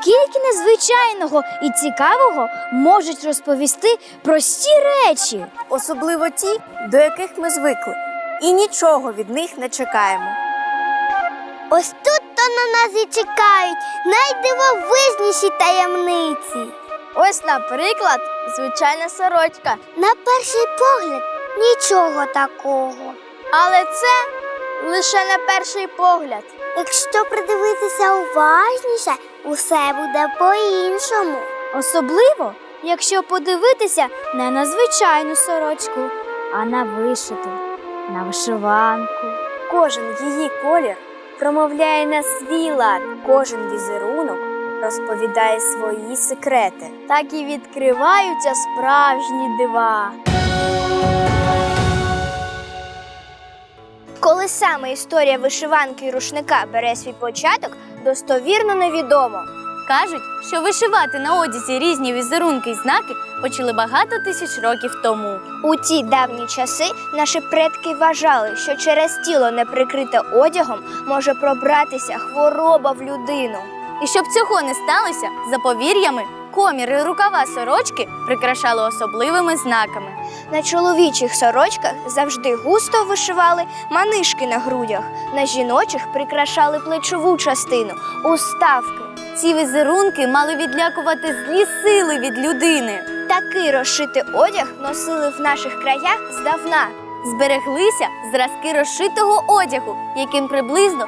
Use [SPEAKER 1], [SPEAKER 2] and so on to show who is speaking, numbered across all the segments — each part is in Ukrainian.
[SPEAKER 1] Скільки незвичайного і цікавого можуть розповісти прості речі.
[SPEAKER 2] Особливо ті, до яких ми звикли, і нічого від них не чекаємо.
[SPEAKER 3] Ось тут-то на нас і чекають найдивовижніші таємниці.
[SPEAKER 1] Ось, наприклад, звичайна сорочка.
[SPEAKER 3] На перший погляд нічого такого.
[SPEAKER 1] Але це лише на перший погляд.
[SPEAKER 3] Якщо придивитися уважніше, усе буде по-іншому.
[SPEAKER 1] Особливо, якщо подивитися не на звичайну сорочку, а на вишиту, на вишиванку.
[SPEAKER 2] Кожен її колір промовляє на свій лад, кожен візерунок розповідає свої секрети.
[SPEAKER 1] Так і відкриваються справжні дива. Коли саме історія вишиванки і рушника бере свій початок, достовірно невідомо.
[SPEAKER 4] Кажуть, що вишивати на одязі різні візерунки й знаки почали багато тисяч років тому.
[SPEAKER 1] У ті давні часи наші предки вважали, що через тіло, не прикрите одягом, може пробратися хвороба в людину.
[SPEAKER 4] І щоб цього не сталося, за повір'ями, комір і рукава сорочки прикрашали особливими знаками.
[SPEAKER 1] На чоловічих сорочках завжди густо вишивали манишки на грудях, на жіночих прикрашали плечову частину – уставки.
[SPEAKER 4] Ці візерунки мали відлякувати злі сили від людини.
[SPEAKER 1] Такий розшитий одяг носили в наших краях здавна.
[SPEAKER 4] Збереглися зразки розшитого одягу, яким приблизно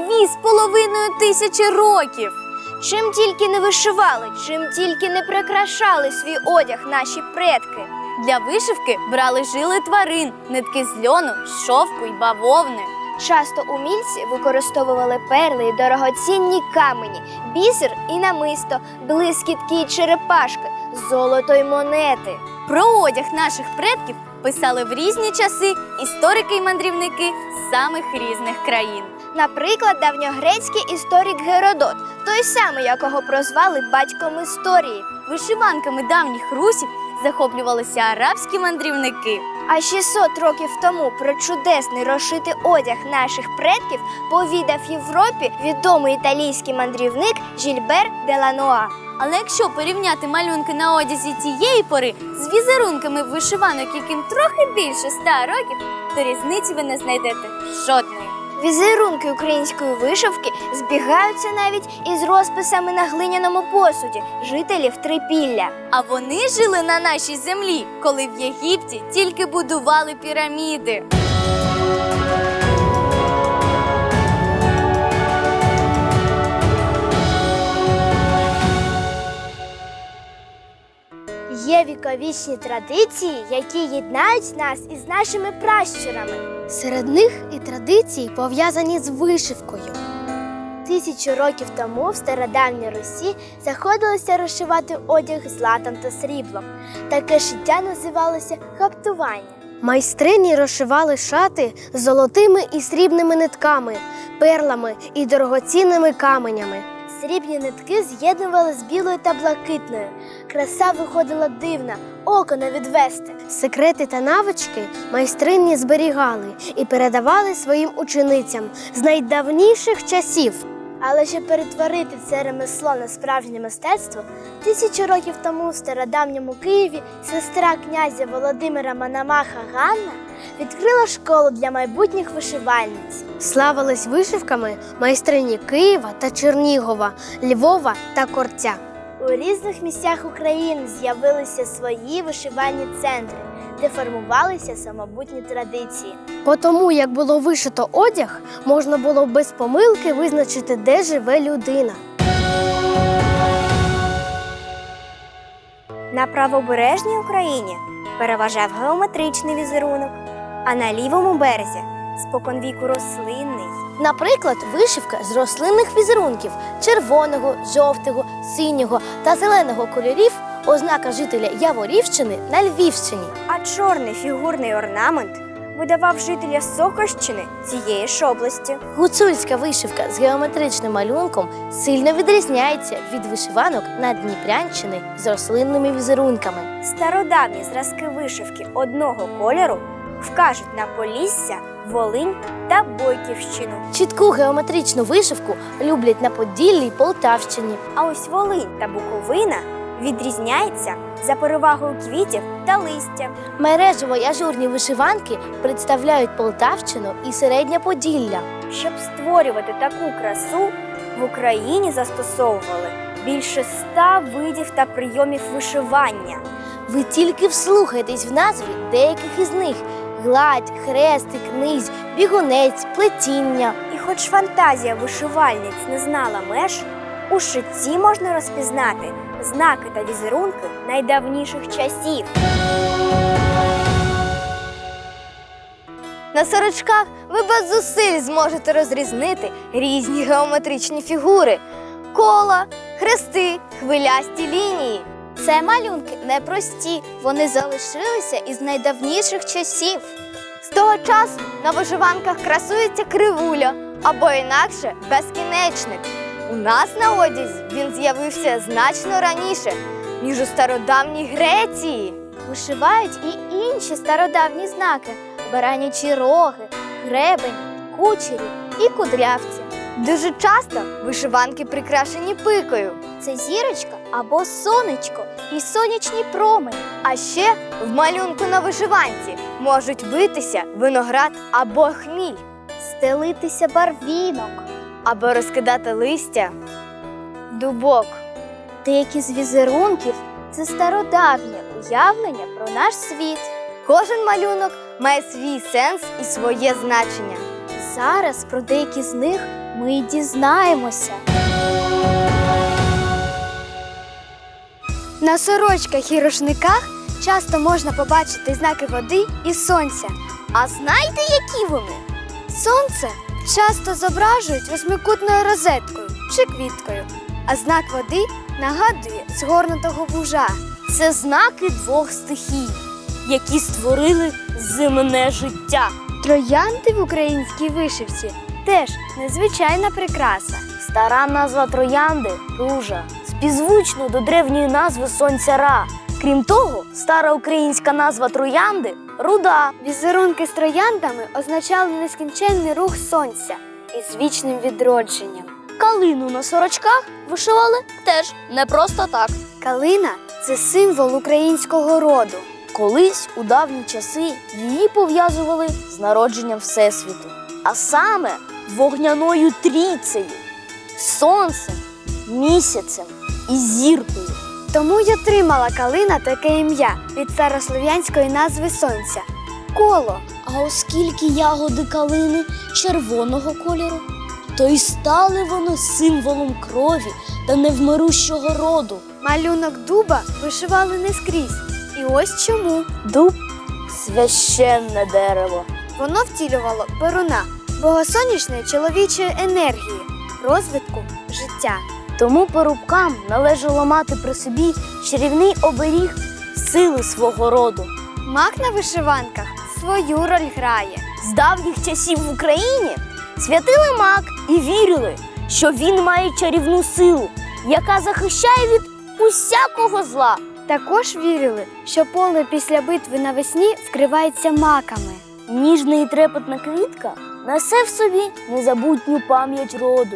[SPEAKER 4] 2500 років.
[SPEAKER 1] Чим тільки не вишивали, чим тільки не прикрашали свій одяг наші предки.
[SPEAKER 4] Для вишивки брали жили тварин, нитки з льону, шовку й бавовни.
[SPEAKER 1] Часто умільці використовували перли й дорогоцінні камені, бісер і намисто, блискітки й черепашки, золото й монети.
[SPEAKER 4] Про одяг наших предків писали в різні часи історики й мандрівники з самих різних країн.
[SPEAKER 1] Наприклад, давньогрецький історик Геродот, той самий, якого прозвали батьком історії.
[SPEAKER 4] Вишиванками давніх русів захоплювалися арабські мандрівники.
[SPEAKER 1] А 600 років тому про чудесний розшитий одяг наших предків повідав Європі відомий італійський мандрівник Жільбер де Лануа.
[SPEAKER 4] Але якщо порівняти малюнки на одязі тієї пори з візерунками вишиванок, яким трохи більше 100 років, то різниці ви не знайдете жодної.
[SPEAKER 1] Візерунки української вишивки збігаються навіть із розписами на глиняному посуді жителів Трипілля.
[SPEAKER 4] А вони жили на нашій землі, коли в Єгипті тільки будували піраміди.
[SPEAKER 1] Є віковічні традиції, які єднають нас із нашими пращурами.
[SPEAKER 3] Серед них і традиції, пов'язані з вишивкою.
[SPEAKER 1] 1000 років тому в стародавній Русі заходилося розшивати одяг златом та сріблом. Таке шиття називалося гаптування.
[SPEAKER 3] Майстрині розшивали шати з золотими і срібними нитками, перлами і дорогоцінними каменями.
[SPEAKER 1] Срібні нитки з'єднували з білою та блакитною. Краса виходила дивна, око не відвести.
[SPEAKER 3] Секрети та навички майстрині зберігали і передавали своїм ученицям з найдавніших часів.
[SPEAKER 1] Але щоб перетворити це ремесло на справжнє мистецтво, 1000 років тому в стародавньому Києві сестра князя Володимира Мономаха Ганна відкрила школу для майбутніх вишивальниць.
[SPEAKER 3] Славились вишивками майстрині Києва та Чернігова, Львова та Корця.
[SPEAKER 1] У різних місцях України з'явилися свої вишивальні центри, де формувалися самобутні традиції.
[SPEAKER 3] По тому, як було вишито одяг, можна було без помилки визначити, де живе людина.
[SPEAKER 2] На правобережній Україні переважав геометричний візерунок, а на лівому березі споконвіку рослинний.
[SPEAKER 3] Наприклад, вишивка з рослинних візерунків червоного, жовтого, синього та зеленого кольорів – ознака жителя Яворівщини на Львівщині.
[SPEAKER 2] А чорний фігурний орнамент видавав жителя Сокощини цієї ж області.
[SPEAKER 3] Гуцульська вишивка з геометричним малюнком сильно відрізняється від вишиванок на Дніпрянщини з рослинними візерунками.
[SPEAKER 2] Стародавні зразки вишивки одного кольору вкажуть на Полісся Волинь та Бойківщину.
[SPEAKER 3] Чітку геометричну вишивку люблять на Поділлі й Полтавщині.
[SPEAKER 2] А ось Волинь та Буковина відрізняються за перевагою квітів та листя.
[SPEAKER 3] Мережево й ажурні вишиванки представляють Полтавщину і Середнє Поділля.
[SPEAKER 2] Щоб створювати таку красу, в Україні застосовували більше 100 видів та прийомів вишивання.
[SPEAKER 3] Ви тільки вслухайтесь в назві деяких із них: гладь, хрестик, низь, бігунець, плетіння.
[SPEAKER 2] І хоч фантазія вишивальниць не знала меж, у шитті можна розпізнати знаки та візерунки найдавніших часів.
[SPEAKER 3] На сорочках ви без зусиль зможете розрізнити різні геометричні фігури: кола, хрести, хвилясті лінії. Це малюнки непрості, вони залишилися із найдавніших часів. З того часу на вишиванках красується кривуля, або інакше безкінечник. У нас на одязі він з'явився значно раніше, ніж у стародавній Греції. Вишивають і інші стародавні знаки: баранячі роги, гребені, кучері і кудрявці. Дуже часто вишиванки прикрашені пикою. Це зірочка або сонечко і сонячні промені. А ще в малюнку на вишиванці можуть битися виноград або хміль, стелитися барвінок або розкидати листя дубок. Деякі з візерунків – це стародавнє уявлення про наш світ. Кожен малюнок має свій сенс і своє значення. Зараз про деякі з них ми й дізнаємося.
[SPEAKER 1] На сорочках і рушниках часто можна побачити знаки води і сонця.
[SPEAKER 3] А знаєте, які вони?
[SPEAKER 1] Сонце часто зображують восьмикутною розеткою чи квіткою, а знак води нагадує згорнутого вужа.
[SPEAKER 3] Це знаки двох стихій, які створили земне життя.
[SPEAKER 1] Троянди в українській вишивці теж незвичайна прикраса.
[SPEAKER 3] Стара назва троянди – ружа, співзвучно до древньої назви сонця Ра. Крім того, стара українська назва троянди – руда.
[SPEAKER 1] Візерунки з трояндами означали нескінченний рух сонця із вічним відродженням.
[SPEAKER 3] Калину на сорочках вишивали теж не просто так.
[SPEAKER 1] Калина – це символ українського роду.
[SPEAKER 3] Колись у давні часи її пов'язували з народженням Всесвіту, а саме вогняною трійцею – сонцем, місяцем і зіркою.
[SPEAKER 1] Тому й отримала калина таке ім'я від старослов'янської назви сонця – коло.
[SPEAKER 3] А оскільки ягоди калини червоного кольору, то й стали вони символом крові та невмирущого роду.
[SPEAKER 1] Малюнок дуба вишивали не скрізь. І ось чому.
[SPEAKER 3] Дуб – священне дерево.
[SPEAKER 1] Воно втілювало перуна, богосонячної чоловічої енергії, розвитку життя.
[SPEAKER 3] Тому порубкам належало мати при собі чарівний оберіг сили свого роду.
[SPEAKER 1] Мак на вишиванках свою роль грає.
[SPEAKER 3] З давніх часів в Україні святили мак і вірили, що він має чарівну силу, яка захищає від усякого зла.
[SPEAKER 1] Також вірили, що поле після битви навесні вкривається маками.
[SPEAKER 3] Ніжна і трепетна квітка несе в собі незабутню пам'ять роду.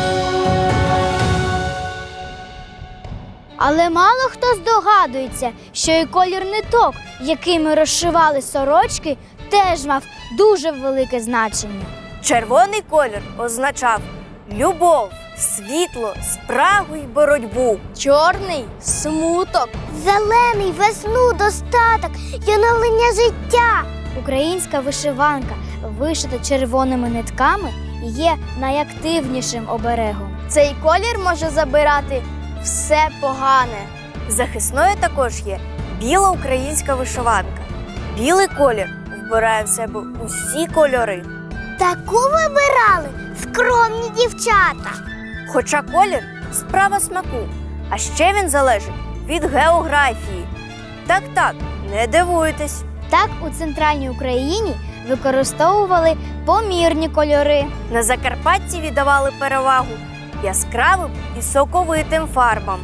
[SPEAKER 1] Але мало хто здогадується, що і колір ниток, якими розшивали сорочки, теж мав дуже велике значення.
[SPEAKER 2] Червоний колір означав любов, світло, спрагу й боротьбу.
[SPEAKER 3] Чорний – смуток.
[SPEAKER 1] Зелений – весну, достаток і оновлення життя. Українська вишиванка, вишита червоними нитками, є найактивнішим оберегом.
[SPEAKER 3] Цей колір може забирати все погане.
[SPEAKER 2] Захисною також є біла українська вишиванка. Білий колір вбирає в себе усі кольори.
[SPEAKER 1] Таку вибирали скромні дівчата.
[SPEAKER 2] Хоча колір – справа смаку, а ще він залежить від географії. Так, не дивуйтесь.
[SPEAKER 1] Так у центральній Україні використовували помірні кольори.
[SPEAKER 2] На Закарпатті віддавали перевагу яскравим і соковитим фарбам.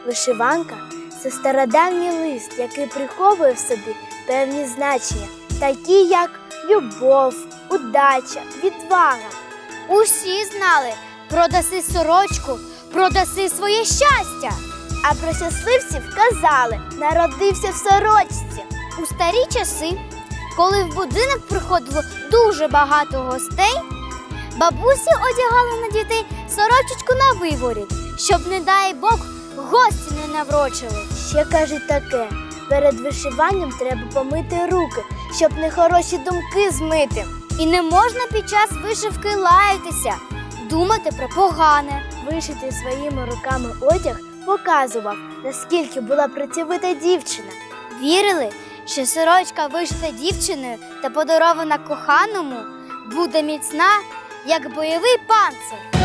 [SPEAKER 1] Вишиванка – це стародавній лист, який приховує в собі певні значення, такі як любов, удача, відвага.
[SPEAKER 3] Усі знали, продаси сорочку, продаси своє щастя.
[SPEAKER 1] А про щасливців казали – народився в сорочці.
[SPEAKER 3] У старі часи, коли в будинок приходило дуже багато гостей, бабусі одягали на дітей сорочечку на виворіт, щоб, не дай Бог, гості не наврочили.
[SPEAKER 1] Ще кажуть таке – перед вишиванням треба помити руки, щоб нехороші думки змити.
[SPEAKER 3] І не можна під час вишивки лаятися, думати про погане.
[SPEAKER 1] Вишити своїми руками одяг показував, наскільки була працьовита дівчина.
[SPEAKER 3] Вірили, що сорочка, вишита дівчиною та подарована коханому, буде міцна, як бойовий панцир.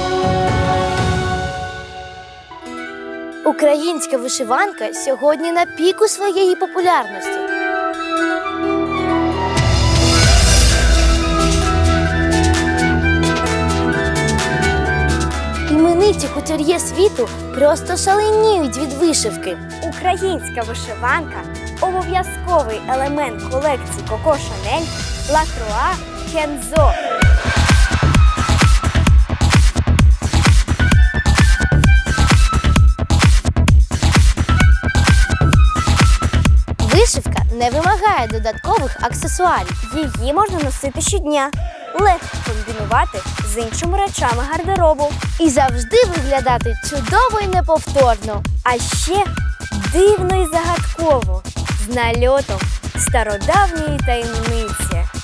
[SPEAKER 1] Українська вишиванка сьогодні на піку своєї популярності. Імениті кутюр'є світу просто шаленіють від вишивки.
[SPEAKER 2] Українська вишиванка – обов'язковий елемент колекції Коко Шанель, Лакруа, Кензо.
[SPEAKER 1] Вишивка не вимагає додаткових аксесуарів.
[SPEAKER 2] Її можна носити щодня, легко комбінувати з іншими речами гардеробу.
[SPEAKER 1] І завжди виглядати чудово і неповторно.
[SPEAKER 2] А ще дивно і загадково, з нальотом стародавньої таємниці.